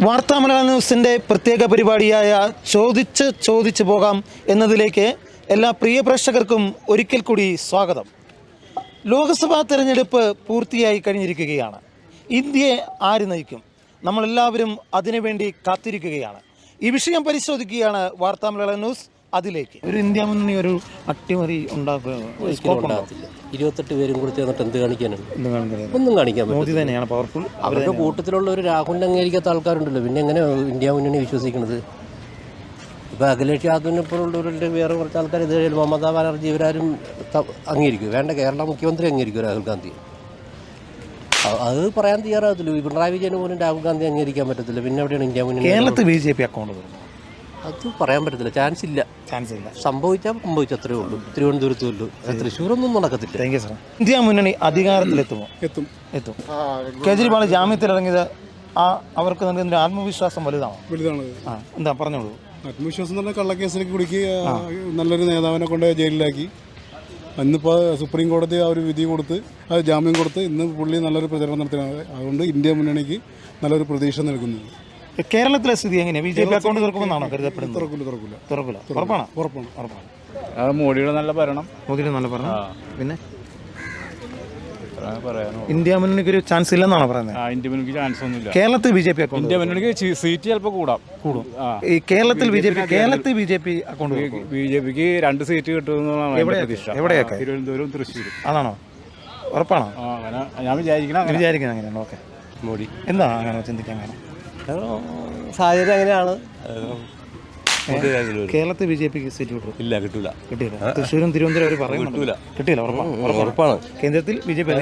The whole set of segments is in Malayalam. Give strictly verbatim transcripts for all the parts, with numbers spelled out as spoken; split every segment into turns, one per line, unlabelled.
വാർത്താമലയാളം ന്യൂസിൻ്റെ പ്രത്യേക പരിപാടിയായ ചോദിച്ച് ചോദിച്ചു പോകാം എന്നതിലേക്ക് എല്ലാ പ്രിയ പ്രേക്ഷകർക്കും ഒരിക്കൽ കൂടി സ്വാഗതം. ലോക്സഭാ തെരഞ്ഞെടുപ്പ് പൂർത്തിയായി കഴിഞ്ഞിരിക്കുകയാണ്. ഇന്ത്യയെ ആര് നയിക്കും? നമ്മളെല്ലാവരും അതിനുവേണ്ടി കാത്തിരിക്കുകയാണ്. ഈ വിഷയം പരിശോധിക്കുകയാണ് വാർത്താമലയാളം ന്യൂസ്. അതിലേക്ക് ഒരു ഇന്ത്യ മുന്നണി ഒരു അട്ടിമറി ഉണ്ടാക്കുക
ഇരുപത്തെട്ട് പേരും കൂടി ചേർന്നിട്ട് എന്ത് കാണിക്കാനാണ്? ഒന്നും കാണിക്കാൻ
മോദി തന്നെയാണ് പവർഫുൾ.
അവരുടെ കൂട്ടത്തിലുള്ള ഒരു രാഹുലിനെ അംഗീകരിക്കാത്ത ആൾക്കാരുണ്ടല്ലോ, പിന്നെ എങ്ങനെ ഇന്ത്യ മുന്നണി വിശ്വസിക്കുന്നത്? ഇപ്പോൾ അഖിലേഷ് യാദവിനെ പോലുള്ളവരുടെ വേറെ കുറച്ച് ആൾക്കാർ ഇത് മമതാ ബാനർജി ഇവരാരും അംഗീകരിക്കും. വേണ്ട, കേരള മുഖ്യമന്ത്രി അംഗീകരിക്കും രാഹുൽ ഗാന്ധി. അത് പറയാൻ തയ്യാറാകത്തില്ല. പിണറായി വിജയന് പോലും രാഹുൽ ഗാന്ധി അംഗീകരിക്കാൻ പറ്റത്തില്ല. പിന്നെ എവിടെയാണ് ഇന്ത്യ മുന്നണി?
കേരളത്തിൽ ബി ജെ പി അക്കൗണ്ട്
അത് പറയാൻ പറ്റത്തില്ല. ചാൻസ് ഇല്ല.
ചാൻസ് ഇല്ല.
സംഭവിച്ചാൽ സംഭവിച്ചത്രേ ഉള്ളൂ. തിരുവനന്തപുരത്തേ ഉള്ളൂ, തൃശ്ശൂരൊന്നും നടക്കത്തില്ല.
Thank you sir. ഇന്ത്യ മുന്നണി അധികാരത്തിലെത്തുമോ? എത്തും എത്തും കേജ്രിവാൾ ജാമ്യത്തിലിറങ്ങിയത് ആ അവർക്ക് നൽകുന്ന ആത്മവിശ്വാസം വലുതാണോ? വലുതാണ്. ആ എന്താ പറഞ്ഞോളൂ.
ആത്മവിശ്വാസം എന്ന് പറഞ്ഞാൽ കള്ളക്കേസിലേക്ക് കുടുക്കി നല്ലൊരു നേതാവിനെ കൊണ്ട് ജയിലിലാക്കി. ഇന്നിപ്പോൾ സുപ്രീം കോടതി ആ ഒരു വിധി കൊടുത്ത് അത് ജാമ്യം കൊടുത്ത് ഇന്ന് പുള്ളി നല്ലൊരു പ്രചരണം നടത്തുന്നത്. അതുകൊണ്ട് ഇന്ത്യ മുന്നണിക്ക് നല്ലൊരു പ്രതീക്ഷ നൽകുന്നത്.
കേരളത്തിലെ സ്ഥിതി എങ്ങനെയാണ്? ബി ജെ പി അക്കൗണ്ട് തുറക്കുമെന്നാണോ കരുതപ്പെടുന്നത്?
തുറക്കില്ല തുറക്കില്ല
തുറക്കില്ല. ഉറപ്പാണ്?
ഉറപ്പാണ്
ഉറപ്പാണ്.
അത് മോഡിയുടെ നല്ല ഭരണം.
മോദിയുടെ നല്ല ഭരണം. പിന്നെ ഇന്ത്യ മുന്നണിക്ക് ഒരു ചാൻസ് ഇല്ലെന്നാണോ പറയുന്നത്?
ഇന്ത്യ മുന്നണിക്ക് ചാൻസ് ഒന്നുമില്ല.
കേരളത്തിൽ B J P account
India മുന്നണിക്ക് സീറ്റ് ചിലപ്പോൾ കൂടാം കൂടും.
ഈ കേരളത്തിൽ ബി ജെ പി കേരളത്തിൽ B J P account
B J പിക്ക് രണ്ട് സീറ്റ് കിട്ടുമെന്നാണ് പ്രതീക്ഷ.
എവിടെയൊക്കെ?
തിരുവനന്തപുരം, തൃശ്ശൂർ.
അതാണോ? ഉറപ്പാണോ?
അങ്ങനെ ഞാൻ വിചാരിക്കണം.
വിചാരിക്കുന്നത് അങ്ങനെയാണ്. ഓക്കെ.
മോഡി
എന്താ അങ്ങനെ ചിന്തിക്കാൻ കാരണം?
സാഹചര്യം അങ്ങനെയാണ്.
കേരളത്തിൽ ബി ജെ പിക്ക് സീറ്റ് കിട്ടും?
ഇല്ല, കിട്ടൂല.
കിട്ടിയില്ല. തൃശ്ശൂരും തിരുവനന്തപുരം അവർ പറയുന്നില്ല. കിട്ടിയില്ല.
ഉറപ്പാണ്.
കേന്ദ്രത്തിൽ ബി ജെ പി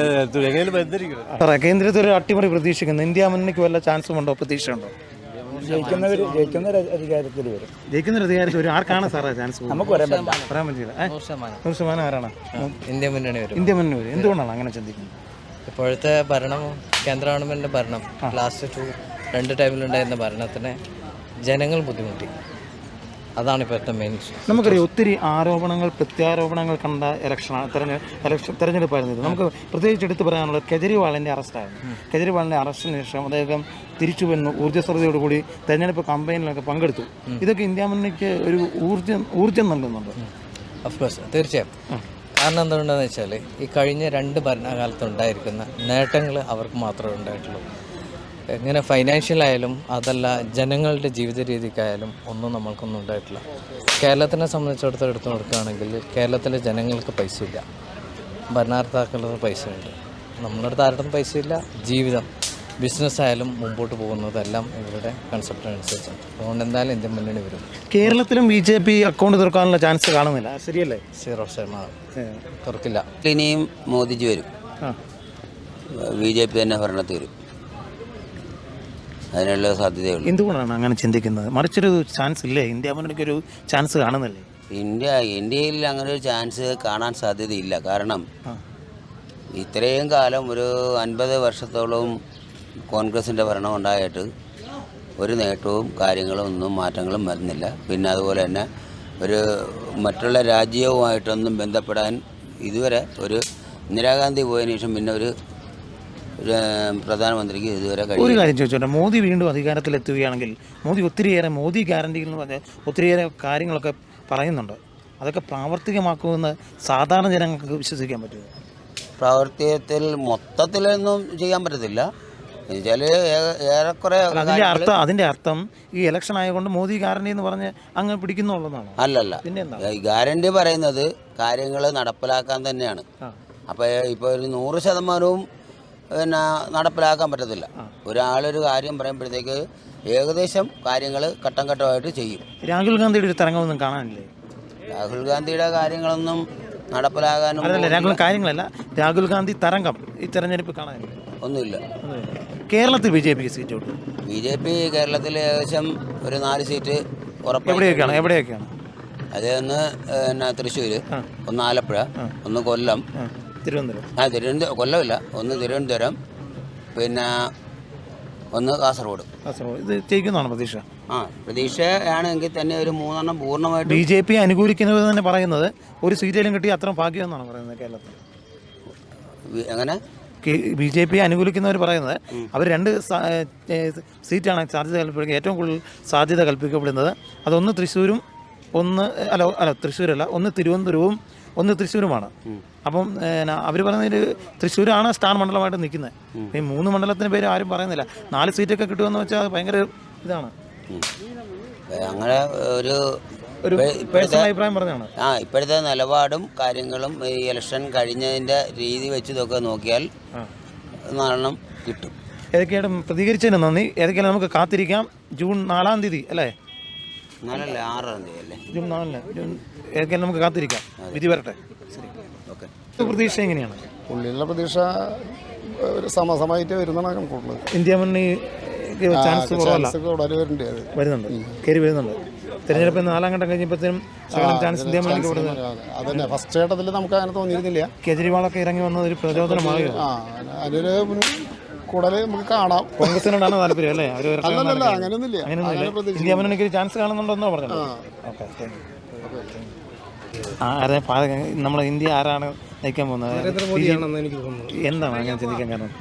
കേന്ദ്രത്തിൽ ഒരു അട്ടിമറി പ്രതീക്ഷിക്കുന്നു. ഇന്ത്യ മുന്നണിക്ക് വല്ല ചാൻസും ഉണ്ടോ? പ്രതീക്ഷയുണ്ടോ?
ജയിക്കുന്നവർ ജയിക്കുന്ന അധികാരത്തിൽ വരും.
ജയിക്കുന്ന അധികാരത്തിൽ ഒരു ആർക്കാണ് സാറേ ചാൻസ്?
നമുക്ക് പറയാൻ
പറയാൻ പറ്റില്ല. നൂറ് ശതമാനം ആരാണ്?
ഇന്ത്യ മുന്നണി വരും.
ഇന്ത്യ മുന്നണി വരും. എന്തുകൊണ്ടാണ് അങ്ങനെ ചിന്തിക്കുന്നത്?
ഇപ്പോഴത്തെ ഭരണം, കേന്ദ്ര ഗവൺമെൻറ്റിൻ്റെ ഭരണം, ലാസ്റ്റ് ടു രണ്ട് ടൈമിലുണ്ടായിരുന്ന ഭരണത്തിന് ജനങ്ങൾ ബുദ്ധിമുട്ടി. അതാണ് ഇപ്പോഴത്തെ മെയിൻ ഇഷ്യൂ.
നമുക്കറിയാം ഒത്തിരി ആരോപണങ്ങൾ പ്രത്യാരോപണങ്ങൾ കണ്ട ഇലക്ഷൻ തെരഞ്ഞെ ഇലക്ഷൻ തെരഞ്ഞെടുപ്പായിരുന്നു ഇത്. നമുക്ക് പ്രത്യേകിച്ച് എടുത്തു പറയാനുള്ളത് കെജ്രിവാളിൻ്റെ അറസ്റ്റായിരുന്നു. കെജ്രിവാളിൻ്റെ അറസ്റ്റിന് ശേഷം അദ്ദേഹം തിരിച്ചു വന്നു ഊർജ്ജസ്വലതയോടുകൂടി തെരഞ്ഞെടുപ്പ് കമ്പയിനിലൊക്കെ പങ്കെടുത്തു. ഇതൊക്കെ ഇന്ത്യ മുന്നണിക്ക് ഒരു ഊർജ്ജം ഊർജ്ജം നൽകുന്നുണ്ട്.
ഓഫ്കോഴ്സ്, തീർച്ചയായും. കാരണം എന്തുകൊണ്ടാണെന്ന് വെച്ചാൽ ഈ കഴിഞ്ഞ രണ്ട് ഭരണകാലത്തുണ്ടായിരിക്കുന്ന നേട്ടങ്ങൾ അവർക്ക് മാത്രമേ ഉണ്ടായിട്ടുള്ളൂ. എങ്ങനെ ഫൈനാൻഷ്യലായാലും അതല്ല ജനങ്ങളുടെ ജീവിത രീതിക്കായാലും ഒന്നും നമ്മൾക്കൊന്നും ഉണ്ടായിട്ടില്ല. കേരളത്തിനെ സംബന്ധിച്ചിടത്തോളം എടുത്തു നോക്കുകയാണെങ്കിൽ കേരളത്തിലെ ജനങ്ങൾക്ക് പൈസ ഇല്ല, ഭരണകർത്താക്കളുടെ പൈസ ഉണ്ട്. നമ്മുടെ അടുത്ത് ആരുടെ പൈസ ഇല്ല. ജീവിതം, ബിസിനസ് ആയാലും മുമ്പോട്ട് പോകുന്നതെല്ലാം ഇവരുടെ കൺസെപ്റ്റ് അനുസരിച്ചാണ്. അതുകൊണ്ട് എന്തായാലും ഇന്ത്യൻ മുന്നണി വരും.
കേരളത്തിലും ബി ജെ പി അക്കൗണ്ട് തുറക്കാനുള്ള ചാൻസ് കാണുന്നില്ല. ശരിയല്ലേ?
സീറോ ശതമാനം തുറക്കില്ല.
ഇനിയും മോദിജി വരും. ബി ജെ പി തന്നെ ഭരണത്തിൽ വരും. അതിനുള്ള സാധ്യതയുള്ളൂ.
എന്തുകൊണ്ടാണ് അങ്ങനെ ചിന്തിക്കുന്നത്? മറിച്ചൊരു ചാൻസ് ഇല്ലേ? ഇന്ത്യ മുന്നണിക്ക് ഒരു ചാൻസ് കാണുന്നില്ലേ?
ഇന്ത്യ ഇന്ത്യയിൽ അങ്ങനെ ഒരു ചാൻസ് കാണാൻ സാധ്യതയില്ല. കാരണം ഇത്രയും കാലം ഒരു അൻപത് വർഷത്തോളം കോൺഗ്രസിൻ്റെ ഭരണം ഉണ്ടായിട്ട് ഒരു നേട്ടവും കാര്യങ്ങളും ഒന്നും മാറ്റങ്ങളും വരുന്നില്ല. പിന്നെ അതുപോലെ തന്നെ ഒരു മറ്റുള്ള രാജ്യവുമായിട്ടൊന്നും ബന്ധപ്പെടാൻ ഇതുവരെ ഒരു ഇന്ദിരാഗാന്ധി പോയതിനു ശേഷം പിന്നെ ഒരു പ്രധാനമന്ത്രിക്ക് ഇതുവരെ കഴിയും.
ഒരു കാര്യം ചോദിച്ചോട്ടെ, മോദി വീണ്ടും അധികാരത്തിലെത്തുകയാണെങ്കിൽ മോദി ഒത്തിരിയേറെ മോദി ഗ്യാരണ്ടികൾ എന്ന് പറഞ്ഞാൽ ഒത്തിരിയേറെ കാര്യങ്ങളൊക്കെ പറയുന്നുണ്ട്. അതൊക്കെ പ്രാവർത്തികമാക്കുമെന്ന് സാധാരണ ജനങ്ങൾക്ക് വിശ്വസിക്കാൻ പറ്റുമോ?
പ്രാവർത്തികത്തിൽ മൊത്തത്തിലൊന്നും ചെയ്യാൻ പറ്റത്തില്ല. എന്നുവെച്ചാൽ ഏറെക്കുറെ
അതിൻ്റെ അർത്ഥം അതിൻ്റെ അർത്ഥം ഈ ഇലക്ഷൻ ആയതുകൊണ്ട് മോദി ഗ്യാരണ്ടി എന്ന് പറഞ്ഞ് അങ്ങ് പിടിക്കുന്നുള്ളതാണ്.
അല്ലല്ല,
പിന്നെ എന്താ
ഗ്യാരണ്ടി പറയുന്നത് കാര്യങ്ങൾ നടപ്പിലാക്കാൻ തന്നെയാണ്. അപ്പോൾ ഇപ്പോൾ ഒരു നൂറ് ശതമാനവും പിന്നെ നടപ്പിലാക്കാൻ പറ്റത്തില്ല. ഒരാളൊരു കാര്യം പറയുമ്പോഴത്തേക്ക് ഏകദേശം കാര്യങ്ങൾ ഘട്ടം ഘട്ടമായിട്ട് ചെയ്യും.
രാഹുൽ ഗാന്ധിയുടെ ഒരു തരംഗമൊന്നും കാണാനില്ലേ?
രാഹുൽ ഗാന്ധിയുടെ കാര്യങ്ങളൊന്നും നടപ്പിലാകാനും
രാഹുൽ കാര്യങ്ങളല്ല രാഹുൽ ഗാന്ധി തരംഗം ഈ തെരഞ്ഞെടുപ്പ് കാണാനില്ല.
ഒന്നുമില്ല.
കേരളത്തിൽ ബി ജെ പിക്ക് സീറ്റ് കിട്ടും.
ബി ജെ പി കേരളത്തിൽ ഏകദേശം ഒരു നാല് സീറ്റ് ഉറപ്പ്.
എവിടെയൊക്കെയാണ് എവിടെയൊക്കെയാണ്
അത് ഒന്ന് പിന്നെ തൃശ്ശൂർ, ഒന്ന് ആലപ്പുഴ, ഒന്ന് കൊല്ലം,
തിരുവനന്തപുരം.
ആ തിരുവനന്തപുരം കൊല്ലമില്ല, ഒന്ന് തിരുവനന്തപുരം, പിന്നെ ഒന്ന് കാസർഗോഡ്.
കാസർഗോഡ് ഇത് ജയിക്കുന്നതാണ് പ്രതീക്ഷ.
ആ പ്രതീക്ഷയാണെങ്കിൽ തന്നെ ഒരു മൂന്നെണ്ണം പൂർണ്ണമായിട്ട്
ബി ജെ പി അനുകൂലിക്കുന്നത് തന്നെ പറയുന്നത് ഒരു സീറ്റേലും കിട്ടി അത്ര ഭാഗ്യമെന്നാണ് പറയുന്നത് കേരളത്തിൽ.
അങ്ങനെ
ബി ജെ പി അനുകൂലിക്കുന്നവർ പറയുന്നത് അവർ രണ്ട് സ- ഏ, സീറ്റാണ് സാധ്യത കൽപ്പിക്കുന്നത്, ഏറ്റവും കൂടുതൽ സാധ്യത കൽപ്പിക്കപ്പെടുന്നത്. അതൊന്ന് തൃശ്ശൂരും ഒന്ന് അല്ല അല്ല തൃശ്ശൂരല്ല ഒന്ന് തിരുവനന്തപുരവും ഒന്ന് തൃശ്ശൂരുമാണ്. അപ്പം അവർ പറയുന്നതിൽ തൃശ്ശൂരാണ് സ്റ്റാർ മണ്ഡലമായിട്ട് നിൽക്കുന്നത്. ഈ മൂന്ന് മണ്ഡലത്തിന് പേര് ആരും പറയുന്നില്ല. നാല് സീറ്റൊക്കെ കിട്ടുമെന്ന് വെച്ചാൽ അത് ഭയങ്കര ഇതാണ്.
അങ്ങനെ ഒരു
ഒരു പേഴ്സണൽ അഭിപ്രായം പറഞ്ഞാണ്.
ആ ഇപ്പോഴത്തെ നിലപാടും കാര്യങ്ങളും ഈ ഇലക്ഷൻ കഴിഞ്ഞതിൻ്റെ രീതി വെച്ച് ഇതൊക്കെ നോക്കിയാൽ നാലെണ്ണം കിട്ടും.
ഏതൊക്കെയാണ് പ്രതികരിച്ചതിന് നന്ദി. ഏതൊക്കെയാണ് നമുക്ക് കാത്തിരിക്കാം. ജൂൺ നാലാം തീയതി അല്ലേ?
നാലല്ല ആറാം തീയതി അല്ലേ?
ജൂൺ നാലിന് ജൂൺ ഏതൊക്കെയാണ് നമുക്ക് കാത്തിരിക്കാം. വിധി വരട്ടെ. ശരി,
ഓക്കെ.
പ്രതീക്ഷ എങ്ങനെയാണ്?
പുള്ളിയുടെ പ്രതീക്ഷ ഒരു സമസമായിട്ട് വരുന്നതാണ് കണക്കുള്ളത്.
ഇന്ത്യ മുന്നണി ചാൻസ് കുറവല്ല, വരുന്നുണ്ട്, കയറി വരുന്നുണ്ട്. തെരഞ്ഞെടുപ്പ് നാലാം ഘട്ടം കഴിഞ്ഞപ്പോഴത്തേനും ശകലം ചാൻസ് ഇന്ത്യ മുന്നണിക്ക് കൊടുക്കുന്നത്.
അതന്നെ ഫസ്റ്റ് ഘട്ടത്തിൽ നമുക്ക് അങ്ങനെ തോന്നിയിരുന്നില്ല.
കേജ്രിവാളൊക്കെ ഇറങ്ങി വന്നത് ഒരു പ്രചോദനമാകുക.
അതിനൊരു കൂടുതൽ നമുക്ക് കാണാം.
കോൺഗ്രസിനോടാണ് താല്പര്യം അല്ലേ? അവർ
അങ്ങനെയൊന്നുമില്ല.
അങ്ങനെയൊന്നുമില്ല. ഇന്ത്യ മുന്നണിക്ക് ഒരു ചാൻസ് കാണുന്നുണ്ടെന്നോ പറഞ്ഞത്. ഓക്കെ, ആരെ നമ്മളെ ഇന്ത്യ ആരാണ് നയിക്കാൻ പോകുന്നത്? എന്താണ് അങ്ങനെ ചിന്തിക്കാൻ കാരണം?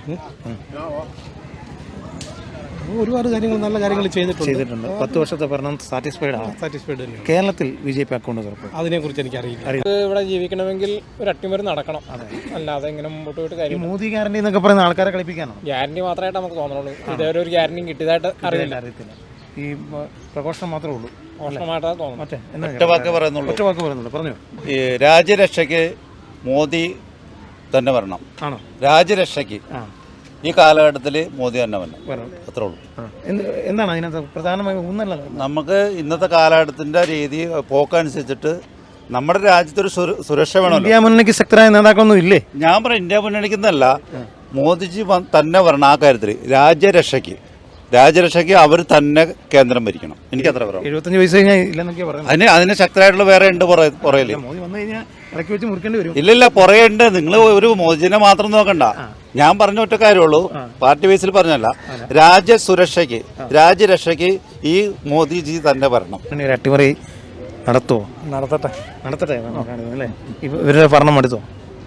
ഒരുപാട് കാര്യങ്ങൾ നല്ല കാര്യങ്ങൾ ചെയ്തിട്ടുണ്ട്
ചെയ്തിട്ടുണ്ട് പത്ത് വർഷത്തെ ഭരണം സാറ്റിസ്ഫൈഡ് ആണ്.
സാറ്റിസ്ഫൈഡ് തന്നെയാണ്.
കേരളത്തിൽ ബി ജെ പി അക്കൗണ്ട് തുറക്കും.
അതിനെക്കുറിച്ച് എനിക്ക് അറിയില്ല. ഇവിടെ ജീവിക്കണമെങ്കിൽ ഒരു അട്ടിമറി നടക്കണം, അല്ലാതെ ഇങ്ങനെ മുമ്പോട്ട് പോയിട്ട് കാര്യം.
മോദി ഗ്യാരണ്ടി എന്നൊക്കെ പറയുന്ന ആൾക്കാരെ കളിപ്പിക്കാനോ?
ഗ്യാരണ്ടി മാത്രമായിട്ട് നമുക്ക് തോന്നുള്ളൂ. ഇതേവരെ ഒരു ഗ്യാരണ്ടി കിട്ടിയതായിട്ട് അറിയില്ല.
അറിയത്തില്ല. ഈ പ്രഘോഷണം മാത്രമേ ഉള്ളൂ.
മോശമായിട്ടാണ് തോന്നുന്നു.
മറ്റേ
ഒറ്റ വാക്ക് പറയുന്നുള്ളൂ.
ഒറ്റ വാക്ക് പറയുന്നുള്ളൂ. പറഞ്ഞു.
ഈ രാജ്യരക്ഷയ്ക്ക് മോദി തന്നെ വരണം.
ആണോ?
രാജ്യരക്ഷയ്ക്ക്
ആ
ഈ കാലഘട്ടത്തിൽ മോദി തന്നെ വരണം,
വരണം.
അത്രേ ഉള്ളൂ.
എന്താണ് അതിനകത്ത് പ്രധാനമായും ഒന്നല്ല,
നമുക്ക് ഇന്നത്തെ കാലഘട്ടത്തിൻ്റെ രീതി പോക്കനുസരിച്ചിട്ട് നമ്മുടെ രാജ്യത്തൊരു സുരക്ഷ വേണം.
ഇന്ത്യ മുന്നണിക്ക് ശക്തരായ നേതാക്കളൊന്നും ഇല്ലേ?
ഞാൻ പറയാം ഇന്ത്യ മുന്നണിക്കുന്നല്ല, മോദിജി തന്നെ വരണം. ആ കാര്യത്തിൽ രാജ്യരക്ഷയ്ക്ക് രാജ്യരക്ഷയ്ക്ക് അവർ തന്നെ കേന്ദ്രം ഭരിക്കണം. എനിക്ക് അത്ര പറയാം.
എഴുപത്തഞ്ച് വയസ്സ് കഴിഞ്ഞാൽ ഇല്ലെന്നൊക്കെ പറയുന്നത്.
അതിന് അതിന് ശക്തരായിട്ടുള്ള വേറെ ഉണ്ട് പുറയില്.
മോദി വന്നു കഴിഞ്ഞാൽ ഇടയ്ക്ക് വെച്ച് മുറിക്കേണ്ടി വരും.
ഇല്ലില്ല, പുറയുണ്ട്. നിങ്ങൾ ഒരു മോദിജിനെ മാത്രം നോക്കണ്ട. ഞാൻ പറഞ്ഞ ഒറ്റ കാര്യമുള്ളൂ, പാർട്ടി ബേസിൽ പറഞ്ഞല്ല. രാജ്യ സുരക്ഷയ്ക്ക് രാജ്യരക്ഷയ്ക്ക് ഈ മോദിജി തന്നെ വരണം.
ഒരു അട്ടിമറി നടത്തുമോ?
നടത്തട്ടെ
നടത്തട്ടെ അല്ലേ? ഇവരുടെ ഭരണം എടുത്തോ?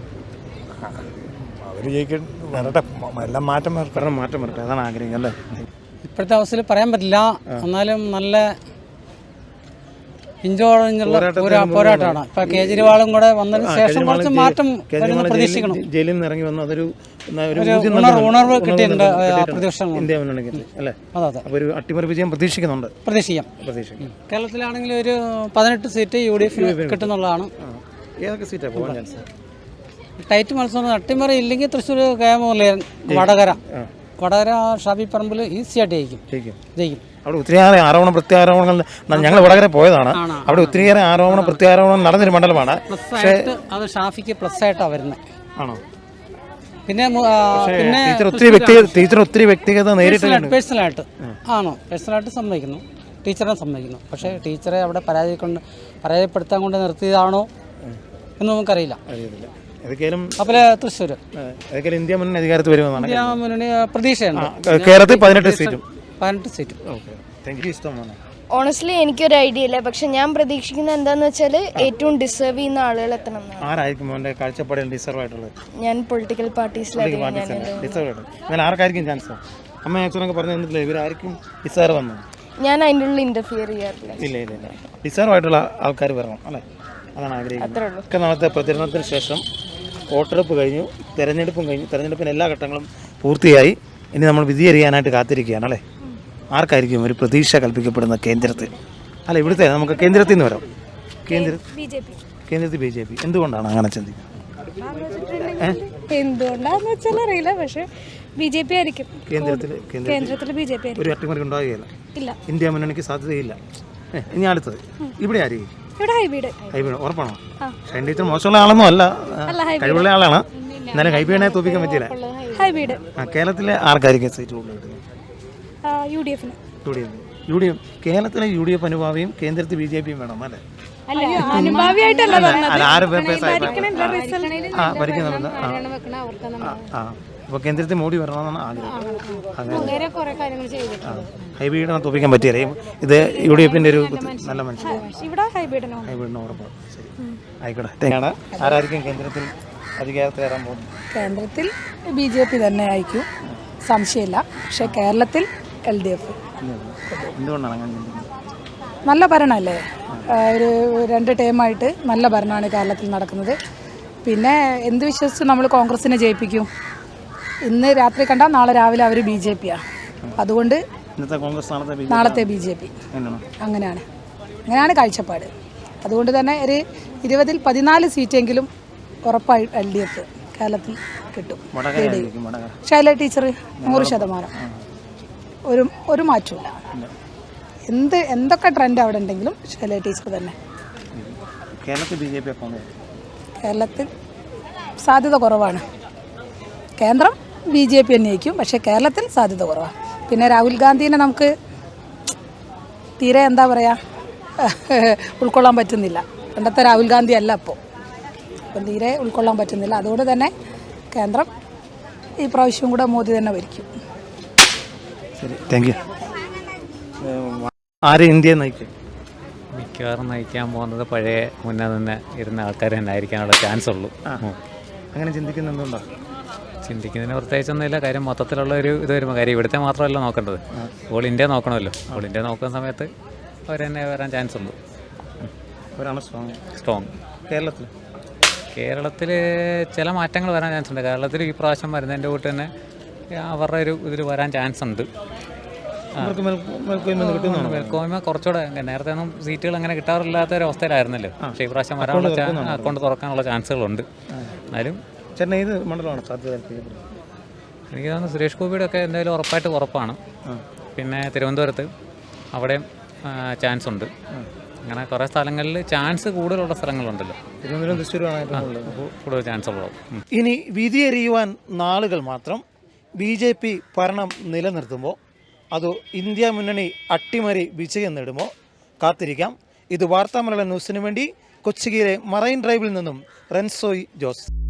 അവർ ജയിക്കാൻ വരട്ടെ, എല്ലാം മാറ്റം വരട്ടെ.
ഭരണം മാറ്റം വരട്ടെ, അതാണ് ആഗ്രഹം അല്ലേ?
ഇപ്പോഴത്തെ അവസ്ഥയിൽ പറയാൻ പറ്റില്ല. എന്നാലും നല്ല ഇഞ്ചോടഞ്ഞുള്ള പോരാട്ടമാണ്. ഇപ്പൊ കേജ്രിവാളും കൂടെ വന്നതിന് ശേഷം കുറച്ച് മാറ്റം പ്രതീക്ഷിക്കണം.
ജയിലിൽ നിന്ന് ഇറങ്ങി വന്നു, അതൊരു
ഉണർവ് കിട്ടിയിട്ടുണ്ട് പ്രതിപക്ഷം
ഇന്ത്യ മുന്നണിക്ക് അല്ലേ?
അതെ അതെ,
ഒരു അട്ടിമറി വിജയം പ്രതീക്ഷിക്കുന്നുണ്ട്.
പ്രതീക്ഷിക്കാം.
പ്രതീക്ഷിക്കും.
കേരളത്തിലാണെങ്കിൽ ഒരു പതിനെട്ട് സീറ്റ് യു ഡി എഫിന് കിട്ടുന്നുള്ളതാണ്.
ഏതൊക്കെ സീറ്റാണ് പോകാൻ ചാൻസ്?
ടൈറ്റ് മത്സരം അട്ടിമറി ഇല്ലെങ്കിൽ തൃശ്ശൂർ കെ മുരളീധരൻ, വടകര വടകര ഷാബി പറമ്പിൽ ഈസിയായിട്ട് ജയിക്കും
ജയിക്കും
ജയിക്കും
അവിടെ ഒത്തിരിയേറെ ആരോപണ പ്രത്യാരോപണങ്ങൾ ഞങ്ങൾ വടകര പോയതാണ്. അവിടെ ഒത്തിരിയേറെ ആരോപണ പ്രത്യാരോപണം നടന്നൊരു മണ്ഡലമാണ്.
പക്ഷേ അത് ഷാഫിക്ക് പ്ലസ് ആയിട്ടാണ് വരുന്നത്.
ആണോ?
പിന്നെ പിന്നെ
ടീച്ചർ ഒത്തിരി വ്യക്തി ടീച്ചർ ഒത്തിരി വ്യക്തിഗത നേരിട്ട്
പേഴ്സണലായിട്ട് ആണോ പേഴ്സണലായിട്ട് സമ്മതിക്കുന്നു, ടീച്ചറെ സമ്മതിക്കുന്നു. പക്ഷേ ടീച്ചറെ അവിടെ പരാജയ കൊണ്ട് പരാജയപ്പെടുത്താൻ കൊണ്ട് നിർത്തിയതാണോ എന്ന് നമുക്കറിയില്ല.
അറിയത്തില്ല. ഏതൊക്കെയാലും
അപ്പോൾ തൃശ്ശൂർ
ഏതൊക്കെയാലും ഇന്ത്യ മുന്നണി അധികാരത്തിൽ വരുമെന്നാണ്
ഇന്ത്യ മുന്നണി പ്രതീക്ഷയുണ്ട്.
കേരളത്തിൽ പതിനെട്ട് സീറ്റും
പതിനെട്ട് സീറ്റും
ഓക്കെ. Thank you. ഇഷ്ടമാണ്.
ഓണസ്റ്റ്ലി എനിക്കൊരു ഐഡിയ ഇല്ല. പക്ഷെ ഞാൻ പ്രതീക്ഷിക്കുന്നത് എന്താണെന്ന് വെച്ചാൽ ഏറ്റവും ഡിസേർവ് ചെയ്യുന്ന ആളുകൾ എത്തണം എന്നാണ്.
ആരായിരിക്കും എൻ്റെ കാഴ്ചപ്പാടിൽ ഡിസർവ് ആയിട്ടുള്ളത്?
ഞാൻ പൊളിറ്റിക്കൽ പാർട്ടീസിലാണ്.
ഡിസർവ് ആയിട്ട് ഞാൻ ആർക്കായിരിക്കും ചാൻസ്? അമ്മ അച്ഛനൊക്കെ പറഞ്ഞു തന്നിട്ടില്ല ഇവരായിരിക്കും ഡിസർവ് വന്നു.
ഞാൻ അതിൻ്റെ ഉള്ളിൽ ഇന്റർഫിയർ ചെയ്യാറില്ല.
ഇല്ല ഇല്ല ഇല്ല ഡിസർവ് ആയിട്ടുള്ള ആൾക്കാർ വരണം അല്ലേ? അതാണ് ആഗ്രഹിക്കുന്നത്. ഒക്കെ നാളത്തെ പ്രചരണത്തിന് ശേഷം വോട്ടെടുപ്പ് കഴിഞ്ഞു, തെരഞ്ഞെടുപ്പും കഴിഞ്ഞു. തെരഞ്ഞെടുപ്പിന് എല്ലാ ഘട്ടങ്ങളും പൂർത്തിയായി. ഇനി നമ്മൾ വിധി അറിയാനായിട്ട് കാത്തിരിക്കുകയാണ് അല്ലേ? ആർക്കായിരിക്കും ഒരു പ്രതീക്ഷ കൽപ്പിക്കപ്പെടുന്ന കേന്ദ്രത്തിൽ? അല്ല ഇവിടുത്തെ നമുക്ക് കേന്ദ്രത്തിൽ നിന്ന് വരാം. കേന്ദ്ര കേന്ദ്രത്തിൽ ബി ജെ പി. എന്തുകൊണ്ടാണ് അങ്ങനെ ചിന്തിക്കുന്നത്?
എന്തുകൊണ്ടാന്ന് വെച്ചാൽ അറിയില്ല, പക്ഷെ ബി ജെ പി ആയിരിക്കും
കേന്ദ്രത്തിൽ. കേന്ദ്രത്തിൽ
ബി ജെ പി
ഒരു അട്ടിമറി ഉണ്ടാവുകയില്ല.
ഇല്ല.
ഇന്ത്യ മുന്നണിക്ക് സാധ്യതയില്ല. ഇനി അടുത്തത് ഇവിടെ ആയിരിക്കും?
ഇവിടെ ഹൈബ്രിഡ്.
ഹൈബ്രിഡ് ഉറപ്പാണോ? ഷൈൻ ടീച്ചർ മോശമുള്ള ആളൊന്നും അല്ല, കഴിവുള്ള ആളാണ്. എന്നാലും ഹൈബ്രിഡിനെ തോപ്പിക്കാൻ പറ്റിയില്ല.
ഹൈബ്രിഡ്.
ആ കേരളത്തിലെ ആർക്കായിരിക്കും സീറ്റ് കൂടുതൽ കിട്ടുന്നത്?
യു ഡി എഫിന്.
U D F U D F കേരളത്തിലെ യു ഡി എഫ് അനുഭാവിയും കേന്ദ്രത്തിൽ ബി ജെ പിയും വേണം അല്ലേ?
അനുഭാവിയായിട്ടല്ല
ആറ് ഭരിക്കുന്നുണ്ട്. ആ അപ്പോൾ കേന്ദ്രത്തിൽ മോഡി വരണമെന്നാണ് ആഗ്രഹം. അങ്ങനെ ഹൈബ്രിഡിനെ തോപ്പിക്കാൻ പറ്റിയല്ലേ? ഇത് യു ഡി എഫിൻ്റെ ഒരു നല്ല മനുഷ്യൻ.
ഇവിടെ ഹൈബ്രിഡിനോ?
ഹൈബ്രിഡിന് ഉറപ്പാണ്. ശരി ആയിക്കോട്ടെ. ആരായിരിക്കും കേന്ദ്രത്തിൽ അധികാരത്തിലേറാൻ പോകുന്നത്?
കേന്ദ്രത്തിൽ ബി ജെ പി തന്നെ ആയിരിക്കും, സംശയമില്ല. പക്ഷേ കേരളത്തിൽ എൽ ഡി എഫ്.
എന്തുകൊണ്ടാണ് അങ്ങനെ ചിന്തിക്കുന്നത്?
നല്ല ഭരണമല്ലേ, ഒരു രണ്ട് ടേമായിട്ട് നല്ല ഭരണമാണ് കേരളത്തിൽ നടക്കുന്നത്. പിന്നെ എന്ത് വിശ്വസിച്ച് നമ്മൾ കോൺഗ്രസിനെ ജയിപ്പിക്കും? ഇന്ന് രാത്രി കണ്ടാൽ നാളെ രാവിലെ അവർ ബി ജെ പിയാണ്. അതുകൊണ്ട്
ഇന്നത്തെ കോൺഗ്രസ് നാളത്തെ ബി ജെ പി
നാളത്തെ ബി ജെ പി
അങ്ങനെയാണോ?
അങ്ങനെയാണ് അങ്ങനെയാണ് കാഴ്ചപ്പാട്. അതുകൊണ്ട് തന്നെ ഒരു ഇരുപതിൽ പതിനാല് സീറ്റെങ്കിലും ഉറപ്പായി എൽ ഡി എഫ് കേരളത്തിൽ കിട്ടും.
വടകരയായിരിക്കും, വടകര.
ശൈല ടീച്ചർ നൂറ് ശതമാനം, ഒരു ഒരു മാറ്റമില്ല. എന്ത് എന്തൊക്കെ ട്രെൻഡ് അവിടെ ഉണ്ടെങ്കിലും ശൈല ടീച്ചർ തന്നെ.
കേരളത്തിൽ ബി ജെ പി ഒക്കെ
കേരളത്തിൽ സാധ്യത കുറവാണ്. കേന്ദ്രം ബി ജെ പി തന്നെയായിരിക്കും, പക്ഷേ കേരളത്തിൽ സാധ്യത കുറവാണ്. പിന്നെ രാഹുൽ ഗാന്ധിനെ നമുക്ക് തീരെ എന്താ പറയുക ഉൾക്കൊള്ളാൻ പറ്റുന്നില്ല. പണ്ടത്തെ രാഹുൽ ഗാന്ധി അല്ല അപ്പോൾ, അപ്പം തീരെ ഉൾക്കൊള്ളാൻ പറ്റുന്നില്ല. അതുകൊണ്ട് തന്നെ കേന്ദ്രം ഈ പ്രാവശ്യം കൂടെ മോദി തന്നെ ഭരിക്കും.
ശരി, താങ്ക് യു. ആരെ ഇന്ത്യയെ നയിക്കും?
മിക്കവാറും നയിക്കാൻ പോകുന്നത് പഴയ മുന്നേ തന്നെ ഇരുന്ന ആൾക്കാർ തന്നെ ആയിരിക്കാനുള്ള ചാൻസ് ഉള്ളൂ.
അങ്ങനെ ചിന്തിക്കുന്ന എന്തുകൊണ്ടാണ്?
ചിന്തിക്കുന്നതിന് പ്രത്യേകിച്ചൊന്നുമില്ല. കാര്യം മൊത്തത്തിലുള്ള ഒരു ഇത് വരുമ്പോൾ, കാര്യം ഇവിടുത്തെ മാത്രമല്ല നോക്കേണ്ടത്, ഓൾ ഇന്ത്യ നോക്കണമല്ലോ. ഓൾ ഇന്ത്യ നോക്കുന്ന സമയത്ത് അവർ തന്നെ വരാൻ ചാൻസ് ഉണ്ട്.
അവരാണ് സ്ട്രോങ്.
സ്ട്രോങ്.
കേരളത്തിൽ
കേരളത്തിൽ ചില മാറ്റങ്ങൾ വരാൻ ചാൻസ് ഉണ്ട്. കേരളത്തിൽ ഈ പ്രാവശ്യം വരുന്നതിൻ്റെ കൂട്ട് തന്നെ അവരുടെ ഒരു ഇതിൽ വരാൻ ചാൻസ് ഉണ്ട്. മേൽക്കോയ്മ കുറച്ചുകൂടെ, നേരത്തെ ഒന്നും സീറ്റുകൾ അങ്ങനെ കിട്ടാറില്ലാത്ത ഒരു അവസ്ഥയിലായിരുന്നല്ലോ. പക്ഷേ ഈ പ്രാവശ്യം വരാനുള്ള അക്കൗണ്ട് തുറക്കാനുള്ള ചാൻസുകളുണ്ട്. എന്നാലും
ചേട്ടൻ ഏത് മണ്ഡലമാണ് സാധ്യത?
എനിക്ക് തോന്നുന്നു സുരേഷ് ഗോപിയുടെ ഒക്കെ എന്തായാലും ഉറപ്പായിട്ട് ഉറപ്പാണ്. പിന്നെ തിരുവനന്തപുരത്ത് അവിടെയും ചാൻസ് ഉണ്ട്. അങ്ങനെ കുറേ സ്ഥലങ്ങളിൽ ചാൻസ് കൂടുതലുള്ള സ്ഥലങ്ങളുണ്ടല്ലോ.
തിരുവനന്തപുരം, തൃശ്ശൂരാണ്
കൂടുതൽ ചാൻസ് ഉള്ളത്.
ഇനി വിധിയെറിയുവാൻ നാളുകൾ മാത്രം. ബി ജെ പി ഭരണം നിലനിർത്തുമ്പോൾ അതോ ഇന്ത്യ മുന്നണി അട്ടിമറി വിജയം നേടുമോ? കാത്തിരിക്കാം. ഇത് വാർത്താമലയാളം ന്യൂസിനു വേണ്ടി കൊച്ചിയിലെ മറൈൻ ഡ്രൈവിൽ നിന്നും റെൻസോയ് ജോസ്.